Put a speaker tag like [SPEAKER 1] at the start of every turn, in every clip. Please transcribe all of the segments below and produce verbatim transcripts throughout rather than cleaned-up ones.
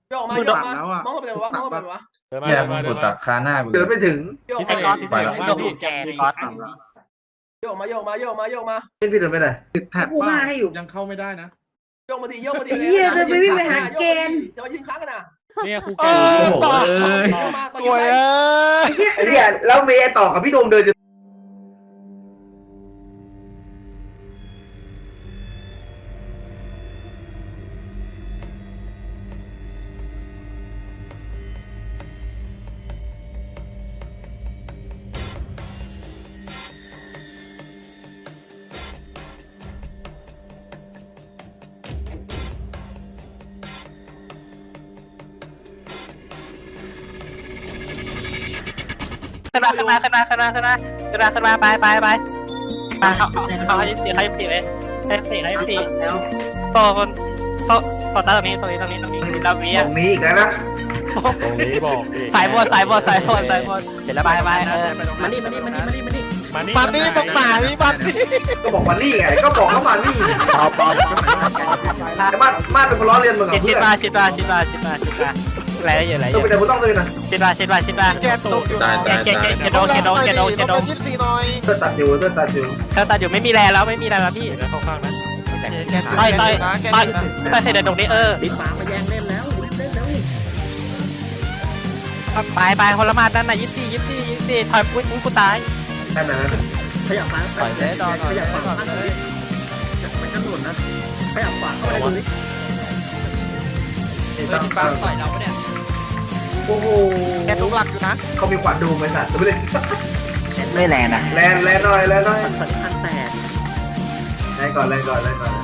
[SPEAKER 1] โยกมาโยกมามองไปเลยวะมองไปเลยวะ
[SPEAKER 2] เนี่ยมึงกดตัดคาหน้ากู
[SPEAKER 3] เดินไปถึง
[SPEAKER 1] โยก
[SPEAKER 4] พี่
[SPEAKER 1] มา
[SPEAKER 4] ก๊อตพี่ก๊อตพี่ก๊อตแกพี่ก๊อต
[SPEAKER 1] โยกมาโยกมาโยกมาโยกมา
[SPEAKER 3] เป็นพี่เดินไปไหน
[SPEAKER 5] ติดแท็บ
[SPEAKER 6] กูมาให้อยู่
[SPEAKER 5] ยังเข้าไม่ได้นะ
[SPEAKER 1] โยกมาดิโยกมาดิ
[SPEAKER 6] เฮียจะไม่วิ่งไปหาเกณฑ์
[SPEAKER 1] จะมายืนค้างกันนะ
[SPEAKER 4] เนี่ยครู
[SPEAKER 2] โอ้โหเอ้ย
[SPEAKER 1] โยกมาต่อ
[SPEAKER 7] ตัว
[SPEAKER 1] ไป
[SPEAKER 7] เอ้ย
[SPEAKER 3] ไอ้เนี่ยแล้วเมย์ต่อกับพี่โดมเดินจะ
[SPEAKER 4] ขึ้นมาขึ้นมาขึ้นมาขึ้นมาขึ้นมาขึ้นมาขึ้นมาไปไปไปมาเขาเขาให้สี่ให้สี่เลยให้สี่ให้สี่โซนโซโซนตรงนี้ตรงนี้ตรงนี้ตรงนี้เราเวีย
[SPEAKER 3] ตรงนี้อีกแล้วนะ
[SPEAKER 4] ตรงนี้บอกสายบนสายบนสายบนสายบนเสร็จแล้วไปไปเออ
[SPEAKER 6] มานี่มานี่มานี่มานี่มานี่
[SPEAKER 4] มานี่
[SPEAKER 7] มันนี่ตรงไหนมันนี่
[SPEAKER 3] ก็บอกมานี่ไงก็บอกเขามานี่
[SPEAKER 4] ปอบปอบ
[SPEAKER 3] แต่มามาเป็นคนล้อเลียนมึงเหรอ
[SPEAKER 4] ชิ
[SPEAKER 3] เพื่
[SPEAKER 4] ด
[SPEAKER 3] อน
[SPEAKER 4] มาชิดมาชิดมาชิดมาชิดมาอะไรเยอะอะไรเย
[SPEAKER 3] ต้อง
[SPEAKER 4] อะ
[SPEAKER 3] ไปไหนมึงต้องเลยนะ
[SPEAKER 4] ชิดมาชิดมาชิดมา
[SPEAKER 7] แกตกอยู่
[SPEAKER 2] ตายตาย
[SPEAKER 4] เก
[SPEAKER 2] ตาย
[SPEAKER 4] เกเกโดเกโดเกโดเกโด
[SPEAKER 7] ยี่สิบสี่หน่อย
[SPEAKER 3] เพื่อนตัดอยู่เพื่อนตัดอยู่
[SPEAKER 4] เธอตัดอยู่ไม่มีแรงแล้วไม่มีแรงแล้วพี่
[SPEAKER 7] แกตกอยู่นะ
[SPEAKER 4] ต่อยต่อย
[SPEAKER 7] แก
[SPEAKER 4] ต่อย
[SPEAKER 7] ตกนะ
[SPEAKER 4] ต่อยเสร็จเดี๋ยวตรงนี้เออ
[SPEAKER 6] ลิ้นหมามาแย่งเล่นแล้วเล่นเล่นแล้ว
[SPEAKER 4] ไปไปคนละมาด้านในยี่สี่ยี่สี่ยี่สี่ถอยปุ้ยกูตาย
[SPEAKER 3] แค่นั้น
[SPEAKER 6] ขยับซ้ายขยับขวาข้างเลยมันกระโดดนะขยับขวาเข้าไปดูดิ
[SPEAKER 3] ต้อง
[SPEAKER 4] ปังต่อยเราเนี่ย
[SPEAKER 3] โอ้โห
[SPEAKER 7] แกทุกหลักอยู่นะ
[SPEAKER 3] เขามีขวัญดูไหมสัตว์ดูเลย
[SPEAKER 4] ไม่แรงนะ
[SPEAKER 3] แลนแลนหน่อยแลนหน่อย
[SPEAKER 6] สันพันแตก
[SPEAKER 3] แลนก่อนแลนก่อนแลนก่อน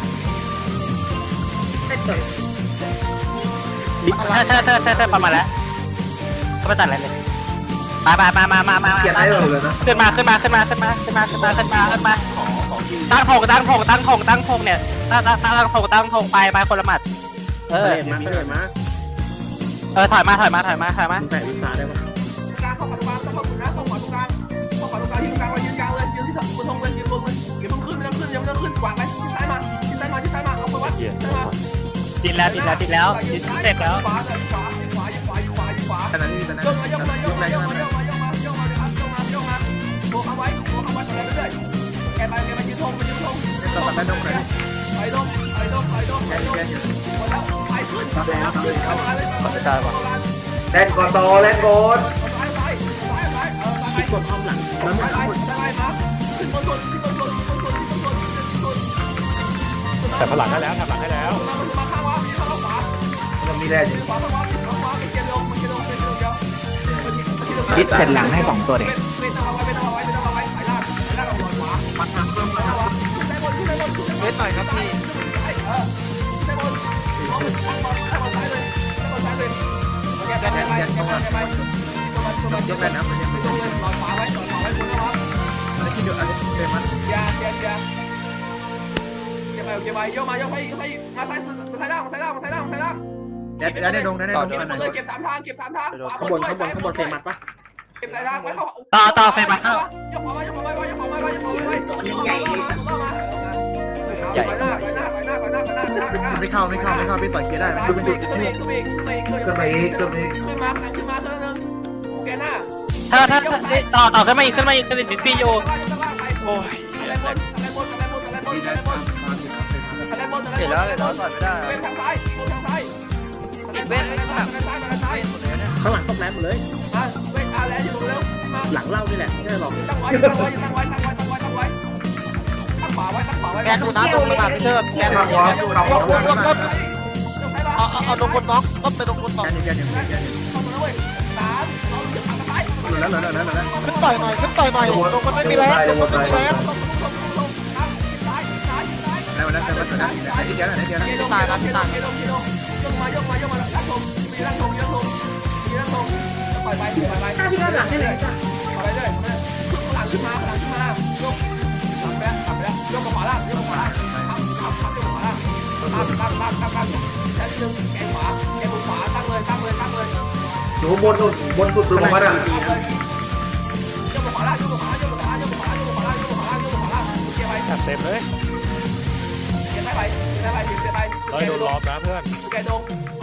[SPEAKER 4] เธอเธอเธอเธอประมาณแล้วเขาไม่ตัดอะไรเลยมามามามามามา
[SPEAKER 3] เกียร์ได้เลยนะ
[SPEAKER 4] ขึ้นมาขึ้นมาขึ้นมาขึ้นมาขึ้นมาขึ้นมาขึ้นมาขึ้นมาตั้งธงตั้งธงตั้งธงตั้งธงเนี่ยตั้งตั้งตั้งธงตั้งธงไปไปคนละหมัดเออ
[SPEAKER 6] เล่นมาเล่นมา
[SPEAKER 4] เออถอยมาถอยมาถอยมาถอยมา
[SPEAKER 6] มึงแตะลิ้นตาได้ปะ
[SPEAKER 1] กลางเข้าขวาตรงกลางต้องเข้าถึงนะเข้าขวาตรงกลางเข้าขวาตรงกลางยืนกลางเลยยืนกลางเลยยืนที่สองบนธงเลยยืนบนเลยอย่าเพิ่งขึ้นไม่ต้องขึ้นอย่าเพิ่งขึ้นขวางไปที่ซ้ายมาที่ซ้ายมาที่ซ้ายมาเอาไปวัดซ้ายมา
[SPEAKER 4] ติดแล้วติดแล้วติดแล้วติดเสร็จแล้ว
[SPEAKER 1] ขวาขวาขวาขวาขวาขวาขวา
[SPEAKER 5] แต่นั้นมีแต่นั้น
[SPEAKER 1] โยกมายกมายกมายกมายกมายกมายกมาเลยครับยกมายกมาโบเอาไว้โบเอาไว้ต่อเรื่อยๆแกไปแกไปยืนธงไปยืนธง
[SPEAKER 5] ต้องตัดได้ตรงไหน
[SPEAKER 1] ไปธงไปธงไปธง
[SPEAKER 5] แก
[SPEAKER 1] ไปธง
[SPEAKER 5] แกอยู่
[SPEAKER 1] หมดแล้วไปขึ้นขึ้นขึ้นมาเลยมาเลย
[SPEAKER 3] แลนก่อนต่อแลนก่อน
[SPEAKER 1] ซ้ายซ้ายซ้ายซ้ายเออซ้าย
[SPEAKER 6] คิดกดอ้อมหลัง
[SPEAKER 1] ซ้า
[SPEAKER 6] แล้ว
[SPEAKER 1] ย
[SPEAKER 6] มึง
[SPEAKER 1] ซ้ายซ้ายมาขึ้นบนสุดขึ้นบนสุดขึ้นบนสุดขึ้นบนสุดขึ้นบนสุด
[SPEAKER 4] แต่พลังได้แล้วทำหลังได้แล้ว
[SPEAKER 1] มามาข้างวะมีข้างขวา
[SPEAKER 3] ยังมีแลนอยู่
[SPEAKER 1] ขวาข้างวะมีข้างขวามีเกียร์ลงมีเกียร์ลงมีเกียร์ลงเดียว
[SPEAKER 4] คิดเสร็จหลังให้สองตัวเด็ก
[SPEAKER 1] เป็นเอาไว้เป็นเอาไว้เป็นเอาไว้ไปล่างไปล่างเอาหัวขวาปัดทางเพิ่มไปแล้วขึ้นได้บนขึ้นได้บนขึ้นได้บน
[SPEAKER 7] เวทหน่อยครับพี่
[SPEAKER 1] เออขึ้นได้บนตั้งบอลตั้งบอลซ้ายเลยตั้งบอลซ้ายเลยโอเคไปไปไปไปไป
[SPEAKER 5] ยกได้นะมันยังไม่
[SPEAKER 1] ลงเลยหลอดขวาไว้หลอดขวาไว้บนนะวะ
[SPEAKER 5] ได้ที่เดียวอันนี้เต็มมัน
[SPEAKER 1] ยาเยายาเก็บไปเก็บไปโยกมาโยกไปโยกไปมาซ้ายมาซ้ายล่างมาซ้ายล่างมาซ้ายล่างมาซ้ายล่าง
[SPEAKER 5] ได้ได้ได้ดงได้ได้ดง
[SPEAKER 1] เก็บ
[SPEAKER 5] กัน
[SPEAKER 1] หมดเลยเก็บสามทางเก็บสามทางขวา
[SPEAKER 6] ข้าง
[SPEAKER 1] บบ น
[SPEAKER 6] น
[SPEAKER 1] ด้วย
[SPEAKER 6] ข้างบนข้างบนเฟรมัดปะ
[SPEAKER 1] เก็บสายทางไว้เข้า
[SPEAKER 4] ต่อต่อเฟรมมาเข้าย
[SPEAKER 1] กขวาไว้ยกขวาไว้ยกขวาไว้ยกขวาไว้ยกขวาไว้ใหญ่มาใหญ่หน้าหน้าหน้าหน้าหน้าหน้าหน้าหน้า
[SPEAKER 5] ไม่เข้าไม่เข้าไม่เข้าพี่ต่อยเคได้
[SPEAKER 1] ขึ้
[SPEAKER 5] มัน น
[SPEAKER 1] ไป
[SPEAKER 5] ดู
[SPEAKER 1] อีกขึ้นไปอีกขึ้นไปอีกขึ้นไปอีก
[SPEAKER 3] ขึ้นมาอีกขึ้นมาอีก
[SPEAKER 1] ขึ้นมาขึ้นมาขึ้นนึงแกหน้า
[SPEAKER 4] ถ้าถ้าต่อต่อขึ้นมาอีกขึ้นมาอีกขึ้นมาอีกพี่โยโอ้ย
[SPEAKER 1] อะไรบนอะไรบนอะไรบนอะไรบน
[SPEAKER 5] ดี
[SPEAKER 1] อะไร
[SPEAKER 5] นะ
[SPEAKER 1] บน
[SPEAKER 5] ตามอยู่ครับเป็น
[SPEAKER 1] อะไรบนอะไรบนเห็นแล้วเห็นแล้วต่อยไม่ได้เป็นทางซ้ายบนทางซ้ายติดเวทอะไรทางซ้ายทางซ้าย
[SPEAKER 6] ข้างหลังต้องแลนหมดเลย
[SPEAKER 1] มาเวทอะไรอยู่เร็วมา
[SPEAKER 6] หลังเล่านี่แหละไม่ได้หรอก
[SPEAKER 1] ตั้งไว้ตั้งไว้ตั้งไว้ตั้งไว้ตั้งไว้ตั้งไว้ตั้งขวาไว้ตั้งขวาไว้
[SPEAKER 7] แกดูนะตรงขนาดพี่เทิดแก
[SPEAKER 3] ขับหัวขับหัว
[SPEAKER 7] ลงลงเอาเอาเอาลงบนน้องก็ไปลงบนน้อง
[SPEAKER 5] แกอยู่แกอยู่แกอยู่
[SPEAKER 1] เข้ามาแล้วเว้ยสามสองหนึ่งทางซ้าย
[SPEAKER 5] หลุดแล้วหลุดแล้วหลุดแล้ว
[SPEAKER 7] ขึ้นต่อยหน่อยขึ้นต่อยหน่อยลงมันไม่มีแรงลงมันไม่มีแรง
[SPEAKER 1] ซ้ายซ้ายซ้าย
[SPEAKER 5] ได้มาแล้วได้มาแล้วได้ที่เดียวได้ที่เดียวนะ
[SPEAKER 1] เกลงเกลงเกลงเกลงเกลงยกมายกมายกมาลักทงมีลักทงยักทงมีลักทงปล่อยไปปล่อยไป
[SPEAKER 6] ถ้าพี่ก็หลังให้เลยจ้ะ
[SPEAKER 1] ปล่อยไปเลยหลังขึ้นมาหลังขึ้นมายกหลังไปแล้วหลังไปแล้วยกขวาล่างยกขวาล่างทับทับทับยกขวาล่างตั้งตั้งตั้งตั้งตั้งแค่นึงแกขวาแกบนขวาตั้งเลยตั้งเลยตั้งเลย
[SPEAKER 3] อยู่บนสุดบนสุดตัวมันอ่ะ
[SPEAKER 1] ยกขวาล่างยกขวาล่างยกขวาล่างยกขวาล่างยกขวาล่างยกขวาล่างยกขวาล่างเกียร์ไป
[SPEAKER 4] จัดเต็มเลย
[SPEAKER 1] เกียร์ไปเกียร์ไปเกียร์ไปเกียร์ไป
[SPEAKER 4] ร้อยโดนล้อมนะเพื่อน
[SPEAKER 1] แกดง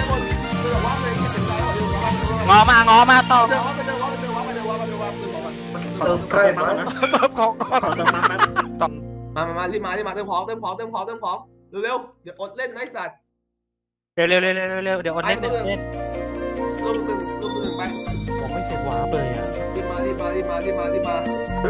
[SPEAKER 1] ด้านบนเดินวับเลยเก็บเป็นไรเดินวับ
[SPEAKER 4] งอมางอมาต่อ
[SPEAKER 1] เดินวับเดินวับเดินวับเดินวับเดินวับเดินวับ
[SPEAKER 3] เติมใกล้มา
[SPEAKER 7] เติมของก่อน
[SPEAKER 5] ขอเติมน้ำแป๊บ
[SPEAKER 7] ต้อง
[SPEAKER 1] มามามารีบมารีบมาเติมของเติมของเติมของเติมของเร็วๆเดี๋ยวอดเล่นนะไอ้สัตว์
[SPEAKER 4] เร็วเร็วเร็วเร็วเร็วเดี๋ยวอดเล่นเล่น
[SPEAKER 1] รวมหนึ่งรวมหนึ่งไป
[SPEAKER 4] ผมไม่เสร็จว้าเลยอ่ะ
[SPEAKER 1] รีบมารีบมารีบมารีบมารีบมา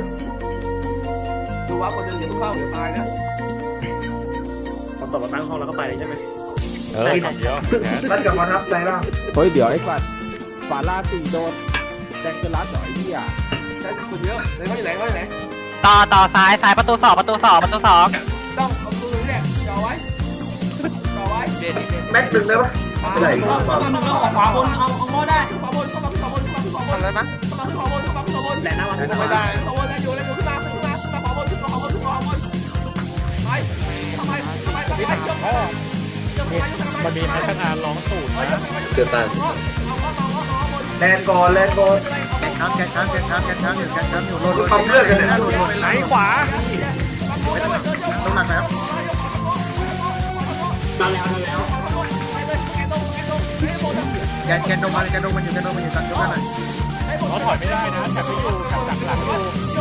[SPEAKER 1] ดูวับคนหนึ่งเดี๋ยวเข้าเดี๋ยวตายนะ
[SPEAKER 5] พอตบมาตั้งห้องแล้วก็ไปเลยใช่ไหม
[SPEAKER 6] เออเดี๋ยว
[SPEAKER 3] รัดกับมาทับใจบ้าง
[SPEAKER 8] เฮ้ยเดี๋ยวไอ้ฝัดฝาลาสี่โดนแดงจะรัดหน่อยเหี้ย
[SPEAKER 1] ใช้สุดเยอะเลยเขาอยู่ไหนเขาอยู่ไหน
[SPEAKER 4] ต่อต่อซ้ายซ้ายประตูสองประตูสองประตูสอง
[SPEAKER 1] ต้องเอามือเนี่ยจ่อไว้จ่อไว้
[SPEAKER 3] แม็กหนึ่งได้ปะ
[SPEAKER 1] อะไรเข้ามาขวาบนเอาเอาง้อได้ขวาบนเข้ามาขวาบนเข้ามาขวาบน
[SPEAKER 7] แล้วนะ
[SPEAKER 1] เข้ามาขวาบนเข้ามาขวาบน
[SPEAKER 5] แหลนหน้าวัน
[SPEAKER 1] ไม่ได้ขวาบนแล้วอยู่แล้วอยู่ขึ้นมาขึ้นมาขึ้นมาขวาบนขึ้นมาขวาบนขึ้นมาขวาบนไปทำไมทำไมทำไมยกทำไมยกทำไมยกทำไม
[SPEAKER 6] มันมีพัฒนาร้องตูดนะ
[SPEAKER 1] เสือตาเอาง้อเอาง้อเอาง้อบน
[SPEAKER 3] แลนก่อนแลนก่อน
[SPEAKER 5] แกนช้ำแกนช้ำแกนช้ำแกนช้ำอยู่แกนช้ำอยู่
[SPEAKER 3] โดนความเลือดกันเนี่ย
[SPEAKER 5] โดนโดน
[SPEAKER 6] ไหนขวา
[SPEAKER 5] ต้องหนักแล้ว
[SPEAKER 1] ตายแล้วตายแล้ว
[SPEAKER 5] แกนแกนโดนมาแกนโดนมันอยู่แกนโดนมันอยู่ตัดยกกันหน่อย
[SPEAKER 6] เขาถอยไม่ได้นะจับไม่อยู่จับดักหลังอยู่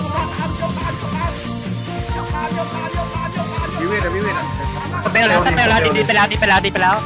[SPEAKER 5] วิเวทอะวิเวทอะ
[SPEAKER 4] ไปแล้วไปแล้วดีไปแล้วดีไปแล้วดีไปแล้ว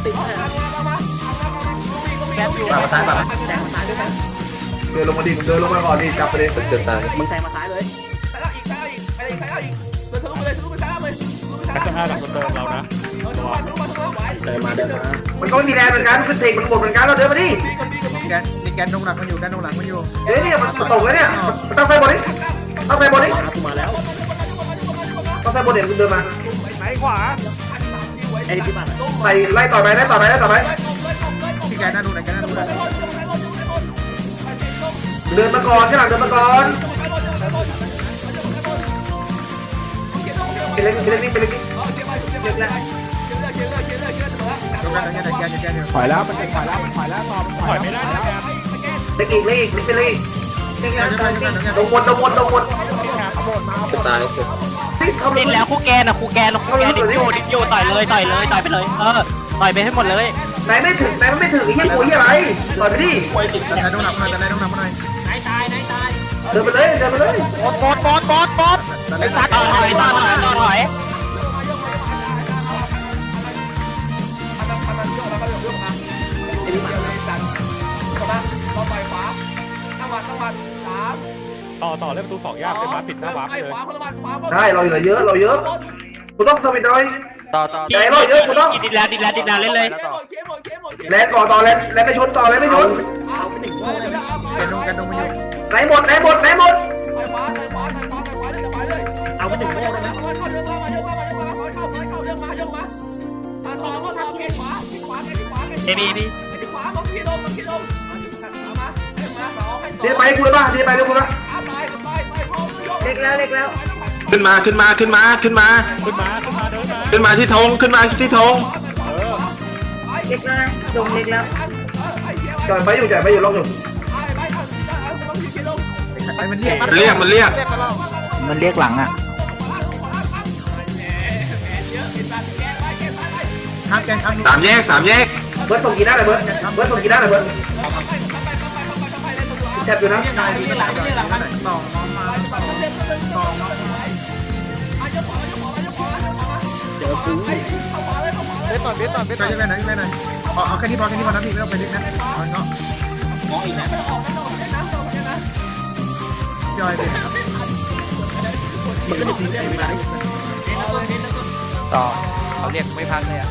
[SPEAKER 1] แกอยู่
[SPEAKER 3] มาซ้ายมาเดินลงมาดิเดินลงมาก่อนดิจับประเด็นเสือตาย
[SPEAKER 5] มึงแทงมาซ้ายเลย
[SPEAKER 1] ใครเอาอีกใครเอาอีกใครเอาอีกใครเอาอีกเดินทะลุไปเลยทะลุไปซ้ายเลยทะลุไปซ้าย
[SPEAKER 6] พัฒนาหลังคนเดิมเรานะ
[SPEAKER 1] เดินทะลุมาทะลุมาทะลุมาไหว
[SPEAKER 5] เดินมาเดินมา
[SPEAKER 3] มันก็มีแรงเหมือนกันขึ้นเทคมันหมดเหมือนกันเราเดินมาดิ
[SPEAKER 1] บีกับบีกับบี
[SPEAKER 5] แกนนี่แกนโดนหลังมันอยู่แกนโดนหลังมันอยู่
[SPEAKER 3] เฮ้ยเนี่ยมันตกแล้วเนี่ยมันต้องไฟบอลดิต้องไฟบอลดิ
[SPEAKER 5] มากูมาแล้ว
[SPEAKER 3] ต้องไฟบอลเดี๋ยวคุณเดินมา
[SPEAKER 6] ไหนขวา
[SPEAKER 5] ไอ้ที่บ้าน
[SPEAKER 3] ใส่ไล่ต่อไปไล่ต่อไปไล่ต่อไป
[SPEAKER 5] ที่แกนน่าดูหน่อยแกนน่าดูหน่อย
[SPEAKER 3] เดินมาก่อนข้างหลังเดินมาก่อนเป็นเล็กเป็นเล็กนี่เป็นเล็กนี่
[SPEAKER 5] ยกกันแกนแกนแกนอยู่
[SPEAKER 8] ถอยแล้วมันจะถอยแล้วมันถอยแล้วต่อมัน
[SPEAKER 6] ถ
[SPEAKER 8] ถ
[SPEAKER 6] อ
[SPEAKER 8] อย ย
[SPEAKER 6] ไม่
[SPEAKER 8] ไม่
[SPEAKER 6] ได้
[SPEAKER 8] ได้
[SPEAKER 6] นะแก
[SPEAKER 3] เล็กอีกเล็กอีกเป็นเล็กอีกลงบนลงบนลงบนตายเสร็จเข้าไป
[SPEAKER 4] ดินแล้วคู่แกนอะคู่แกนคู่แกนดินอยู่ดินอยู่ต่อยเลยต่อยเลยต่อยไปเลยเออต่อยไปให้หมดเลย
[SPEAKER 3] ไหนไม่ถึงไหนมันไม่ถึงไอ้เหี้ยปุ๋ยอะไรต่อยไปดิ
[SPEAKER 5] แต่โดนหลังหน่อยแต่โดนหลังมาหน่อย
[SPEAKER 3] เดินไปเลยเดินไปเลย
[SPEAKER 7] บอสบอสบอสบอสบอส
[SPEAKER 5] แต่
[SPEAKER 4] ต่อถอยต่อถอยต่อถอย
[SPEAKER 1] ต่อไปขวาตั้งวันตั้งวันสาม
[SPEAKER 6] ต่อต่อเล่นประตูสองยากเป็นมาผิดหน้าวาร์ป
[SPEAKER 1] ไอ้
[SPEAKER 6] เลย
[SPEAKER 1] ขวาคนละวันขวา
[SPEAKER 3] ได้เราเหลือเยอะเราเยอะกูต้องสวิตหน่อย
[SPEAKER 7] ต่อต่อ
[SPEAKER 3] ไหนเราเยอะกูต้อง
[SPEAKER 4] ดินแล้วดินแล้วดินแล้วเล่นเลย
[SPEAKER 3] แลนก่อนต่อแลนแลนไปชนต่อแลนไปชน
[SPEAKER 5] แกนโดนแกนโดนมันอยู่
[SPEAKER 3] ไหนหมดไหนหมดไหนหมด
[SPEAKER 1] ไปขวาไปขวาไปขวาไปขวาเลยจะไปเลยเอาไปถึงโม่เลยนะเข้าเรื่องมายกมามาเข้าเข้าเข้าเรื่องมายกมามาต่อก็ต่อเกขวาขวาเกขวาเก
[SPEAKER 4] เอบีบี
[SPEAKER 1] ขวามาพี่ลงมาพี่ลงมามาให้มาต่อให้ต่อ
[SPEAKER 3] เดี๋ยวไปกูเลยป่ะเดี๋ยวไปเดี๋ยวกูป่ะ
[SPEAKER 1] ตายตายตายพร้อมยก
[SPEAKER 3] เล็กแล้วเล็กแล้ว
[SPEAKER 9] ขึ้นมาขึ้นมาขึ้นมาขึ้นมา
[SPEAKER 6] ขึ้นมาขึ้นมาเดินมา
[SPEAKER 9] ขึ้นมาที่ธงขึ้นมาที่ธง
[SPEAKER 1] เล็กแล้วลงเล็กแล้ว
[SPEAKER 3] จ่อยไปอยู่จ่อยไปอยู่ลงอยู่
[SPEAKER 1] ไปไปเอาเอาต้องพี่ลง
[SPEAKER 5] ไอ้มันเรียก
[SPEAKER 9] มันเรียกมันเรียก
[SPEAKER 7] เรียกมาแล้ว
[SPEAKER 8] มันเรียกหลังอ่ะ
[SPEAKER 5] ข้ามแกนข้าม
[SPEAKER 9] สามแยกสามแยก
[SPEAKER 3] เบิร์ดส่งกี่หน้าเลยเบิร์ดเบิร์ดส่งกี่หน้าเลยเบิร์ดแทบอยู่นะ
[SPEAKER 5] นายดูกระดาษหน่อยต่อมองมาต่อต่อ
[SPEAKER 1] เข้าขวาเลยเข้าขวาเลย
[SPEAKER 7] เบสหน่อยเบสหน่อยเบสห
[SPEAKER 6] ไป
[SPEAKER 7] น่อย
[SPEAKER 6] ยังไงหน่อยยังไงหน่อยเอาเอาแค่นี้พอแค่นี้พอนะพี่ไม่ต้องไปลึกนะมันก็
[SPEAKER 1] มองอีกนะไม่ต้องออกไม่ต้องออกนะไม่ต้องออกนะ
[SPEAKER 6] ย่อยเลย
[SPEAKER 5] มันก็จะทิ้งได้ไหม
[SPEAKER 7] ต่อเขาเรียกไม่พักเลยอ่ะ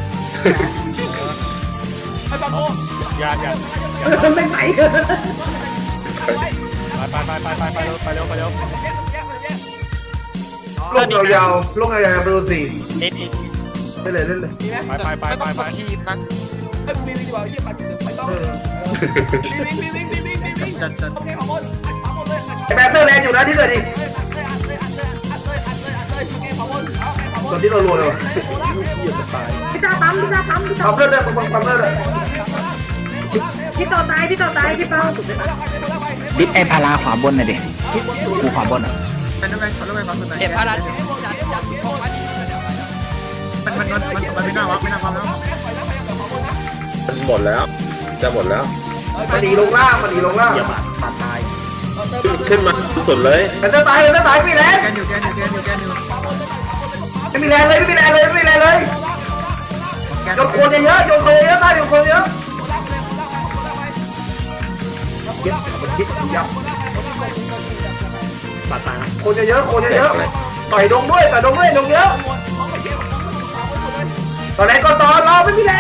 [SPEAKER 1] ไปบางโม
[SPEAKER 5] ยากยาก
[SPEAKER 6] ไม่ไหว
[SPEAKER 5] ไปไปไปไปไปเร็วไปเร็วไปเร็ว
[SPEAKER 3] ลงยาวๆลงยาวๆไปดูสิ
[SPEAKER 4] นิดนิด
[SPEAKER 3] ไปเลยเล่นเลย
[SPEAKER 1] มีไหม
[SPEAKER 5] ไปไปไป
[SPEAKER 7] ไม่
[SPEAKER 5] ไป
[SPEAKER 7] ต้อง
[SPEAKER 5] ไป
[SPEAKER 7] สทีมนะ
[SPEAKER 1] เฮ้ยมีวิ่งดีกว่าที่ปัดไม่ต้องวิ่งวิ่งวิ่งวิ่งวิ่งวิ่งวิ่ง
[SPEAKER 6] จัดจัด
[SPEAKER 1] โอเคขอบนอัดขวาหมดเลยอัด
[SPEAKER 3] ไอ้แบงค์เซอร์แลนด์อยู่นะที่เหลือดิ
[SPEAKER 1] เลยอัดเลยอัดเลยอัดเลยอัดเลยอัดเลยอัดเลยโอเคขอบนเอาโอเคขอบน
[SPEAKER 3] ตอนที่เรารัวเลย
[SPEAKER 6] พี่ตาปั๊มพี่ตาปั๊มพี่ตา
[SPEAKER 3] ทำเลือดเลยทำเลือดเลย
[SPEAKER 6] พี่ต่อตายพี่ต่อตายพี่เปา
[SPEAKER 8] ดิสไอพาราขวาบนหน่อยดิกูขวาบนอ่ะ
[SPEAKER 6] เป็นยังไงขอรู้ไหมความสนใจ
[SPEAKER 7] เก็บพารัน
[SPEAKER 6] มันมันมันมันมันไม่น่าวักไม่น่าความแล้ว
[SPEAKER 9] มันหมดแล้ว จะหมดแล้ว
[SPEAKER 3] มันหนีลงล่างมันหนีลงล่าง
[SPEAKER 8] มาตาย
[SPEAKER 9] ขึ้นมาสุดเลย
[SPEAKER 3] มันจะตายมันจะตายไม่แรง
[SPEAKER 6] แกนอยู่แกนอยู่แกนอยู่แกนอยู่
[SPEAKER 3] ไม่มีแรงเลยไม่มีแรงเลยไม่มีแรงเลย
[SPEAKER 6] แกน
[SPEAKER 3] โยนโคนเยอะโยนโคนเยอะตายโยนโคนเยอะเย็บมันคิดยับ
[SPEAKER 5] ปาดตา
[SPEAKER 3] โคนเยอะโคนเยอะต่อยดงด้วยต่อยดงด้วยดงเยอะตอนแรกก็ตอนรอไม่มีแรง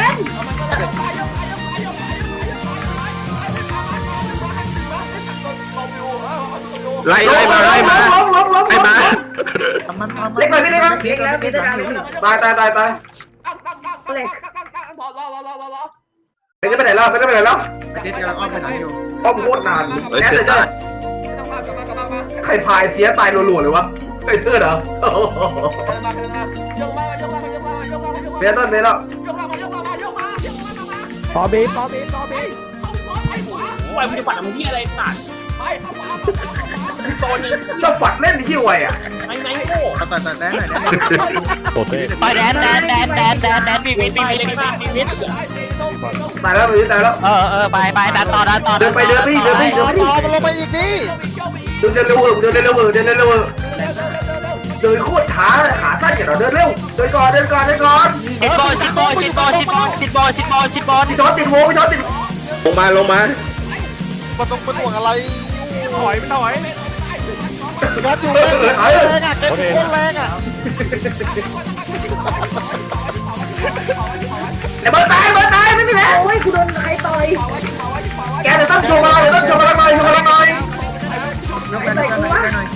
[SPEAKER 9] ไล่ไล่มาไล่มา
[SPEAKER 3] ล้มล้มล้ม
[SPEAKER 9] ไล่มา
[SPEAKER 6] มันมัน
[SPEAKER 3] เล็กหน่อยพี่เล็กครับ
[SPEAKER 6] เล็กแล้วเล็กแล้ว
[SPEAKER 3] ตายตายตายตาย
[SPEAKER 1] เล็กพอรอรอรอรอรอ
[SPEAKER 3] เป็นจะไปไหนแล้วเป็นจะไปไหนแล้ว
[SPEAKER 6] เล็กกำลังอ้อมไปไหนอยู่
[SPEAKER 3] อ้อมโคตรนาน
[SPEAKER 9] เฮ้ย
[SPEAKER 3] แน่
[SPEAKER 9] เสี
[SPEAKER 3] เลย ย
[SPEAKER 9] ดา
[SPEAKER 3] จ้ะ
[SPEAKER 9] ย
[SPEAKER 1] ต้องมากลับมากลับมามา
[SPEAKER 3] ใครพายเสียตายรัวๆเลยวะไอ้เสื้อเหรอ
[SPEAKER 1] เดินมาเดินมายกมายกมายกมายกมายกมา
[SPEAKER 3] เบสต้นเบสแล้ว
[SPEAKER 1] ยกมายกมายกมายกมามา
[SPEAKER 8] ต่อบีต่อบีต่อบี
[SPEAKER 1] ไปขวา
[SPEAKER 5] โอ้ยมึงจะปัดมึงที่อะไรสัตว์
[SPEAKER 1] ไปขวา
[SPEAKER 5] โซนนี้
[SPEAKER 3] เราฝัดเล่นที่ไวอ่ะ
[SPEAKER 5] ไอ้ไหนโง่
[SPEAKER 6] ต่อต่อต่อแดนหน่อยแดน
[SPEAKER 5] โอเค
[SPEAKER 4] ไปแดนแดนแดนแดนแดนแดนบีวิทบีวิทบีวิทบีวิท
[SPEAKER 3] ตายแล้วมันตายแล้ว
[SPEAKER 4] เออเออไปไปดันต่อดันต่อ
[SPEAKER 7] ต่อมันลงไปอีกดิ
[SPEAKER 3] เดินเร็วเดินเร็วเดินเร็วเดินโคตรช้าขาสั้นอย่างเราเดินเร็วเดินก่อนเดินก่อนเดินก่อน
[SPEAKER 4] ชิดบอลชิดบอลชิดบอลชิดบอลชิดบอลชิดบอลชิดบอล
[SPEAKER 3] พี่จอติดโวพี่จอติด
[SPEAKER 9] ลงมาลงมา
[SPEAKER 7] มันต้องเป็นห่วงอะไร
[SPEAKER 5] ถอยไม่ถอย
[SPEAKER 7] รัดอยู่เลยแรงอ่ะเกินโคตรแรงอ่ะ
[SPEAKER 3] แต่เบิร์ตายเบิร์ตายไม่มีแล้วโอ้ยกูโดนใครต่อยแกเดี๋ยวต้องโชว์มาเดี๋ยวต้องโชว์มาหน่อยโชว์มาหน่อย
[SPEAKER 6] ยกแกนยกแกนหน่อยแกนหน่อย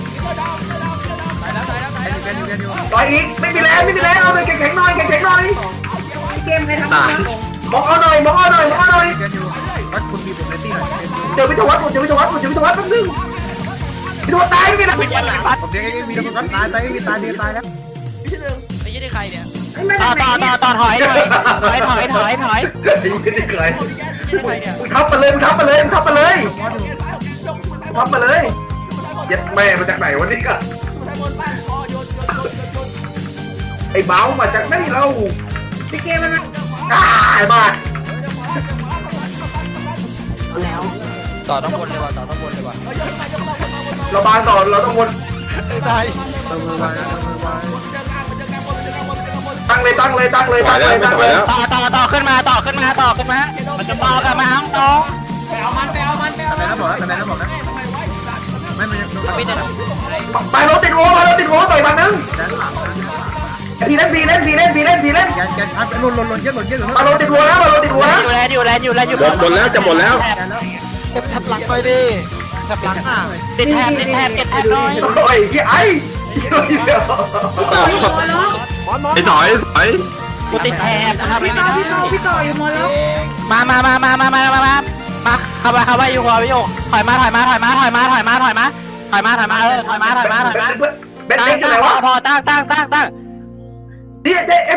[SPEAKER 6] แกนอยู่แกนอยู่
[SPEAKER 3] ต่อยอีกไม่มีแรงไม่มีแรงเอาเลยแข็งๆหน่อยแข็งๆหน่อย
[SPEAKER 6] เกมไหนทำ
[SPEAKER 9] ตาย
[SPEAKER 3] มองเอาหน่อยมองเอาหน่อยมองเอาหน่อย
[SPEAKER 6] แกนอยู่วัดคุณบีผมในตีหน่อย
[SPEAKER 3] เจอพิทวัฒน์ผมเจอพิทวัฒน์ผมเจอพิทวัฒน์แป๊บนึงพิทวัฒน์ตายไม่มีแรง
[SPEAKER 6] ผมเรียกไอ้มีแล้วมันตายตายมีตายดีตายแล้ว
[SPEAKER 7] ไอ้ยี่ได้ใครเนี่ย
[SPEAKER 4] ต่อต่อต่อต่อถอยหน่อยถอยถอยถอยถอย
[SPEAKER 3] ไอ้ยี่นี่เกย
[SPEAKER 7] ยี่ได้ใครเนี่ย
[SPEAKER 3] มึงทับมาเลยมึงทับมาเลยมึงทับมาเลยทับมาเลยเย็ดแม่มาจากไหนวะนี่ก็ไอ้เบ้ามาจากไหนเราพี่เกมมันตายมาก
[SPEAKER 7] ต่อต้องบนเลยว่ะต่อต้องบนเลยว่ะ
[SPEAKER 3] เราบานต่อเราต้องวน
[SPEAKER 7] ได้
[SPEAKER 6] เติมมือไว้เติมมือไว้
[SPEAKER 3] ตั้งเลยตั้งเลยตั้งเลย
[SPEAKER 9] ถอ
[SPEAKER 3] ตั้
[SPEAKER 9] ย
[SPEAKER 3] ง
[SPEAKER 9] แล้ว
[SPEAKER 3] เลย
[SPEAKER 9] ไม่
[SPEAKER 3] ตั้ง
[SPEAKER 9] ถ
[SPEAKER 3] เล
[SPEAKER 9] อย
[SPEAKER 3] ย
[SPEAKER 9] แล้ว
[SPEAKER 4] ต่อต่อต่อขึ้นมาต่อขึ้นมาต่อขึ้นมามันจะต่อกันมาต่อ
[SPEAKER 1] ไปเอามันไปเอามันไปเอา
[SPEAKER 6] แต่ไหนแล้วบอกแล้วแต่ไหนแล้วบอกแล้วไม่ไม่
[SPEAKER 7] ไม่ได้
[SPEAKER 3] ไปรถติดโว้ไปรถติดโว้ต่อยมันนึง
[SPEAKER 6] แดนหลัง
[SPEAKER 3] พีเล่นพีเล่นพีเล่นพีเล่นพีเล่น
[SPEAKER 6] แกนแกนพัดหล่นหล่นหล่นเยอะหล่นเยอะหล่น
[SPEAKER 3] มาโรติดโว้นะมาโรติดโว้นะ
[SPEAKER 4] อยู่แล้วอยู่แล้วอยู่แล้วอยู่
[SPEAKER 9] หมดหมดแล้วจะหมดแล้ว
[SPEAKER 6] แกนแล้ว
[SPEAKER 7] เก็บแท็บหลังไปดิแท็บหลังอ่ะ
[SPEAKER 4] ติดแทบติดแทบติดแทบน้อย
[SPEAKER 3] โอ้ยขี้ไอ้
[SPEAKER 9] ต่อไอ้ถอยถอย
[SPEAKER 4] กูติดแทบนะครับไม่ได้
[SPEAKER 6] พี่ต่ออยู่หมดแล้ว
[SPEAKER 4] มามามามามามามามามาเข้าไปเข้าไปอยู่หัวไปอยู่ถอยมาถอยมาถอยมาถอยมาถอยมาถอยมาถอยมาถอยมาเออถอยมาถอยมาถอยมา
[SPEAKER 3] เบ็ด
[SPEAKER 4] ตั้
[SPEAKER 3] เล็
[SPEAKER 4] ง
[SPEAKER 3] กอยู่
[SPEAKER 4] ตั้
[SPEAKER 3] ไหน
[SPEAKER 4] งพอ
[SPEAKER 3] วะ
[SPEAKER 4] พอตั้งตั้งตั้งตั้ง
[SPEAKER 3] นี่เจ๊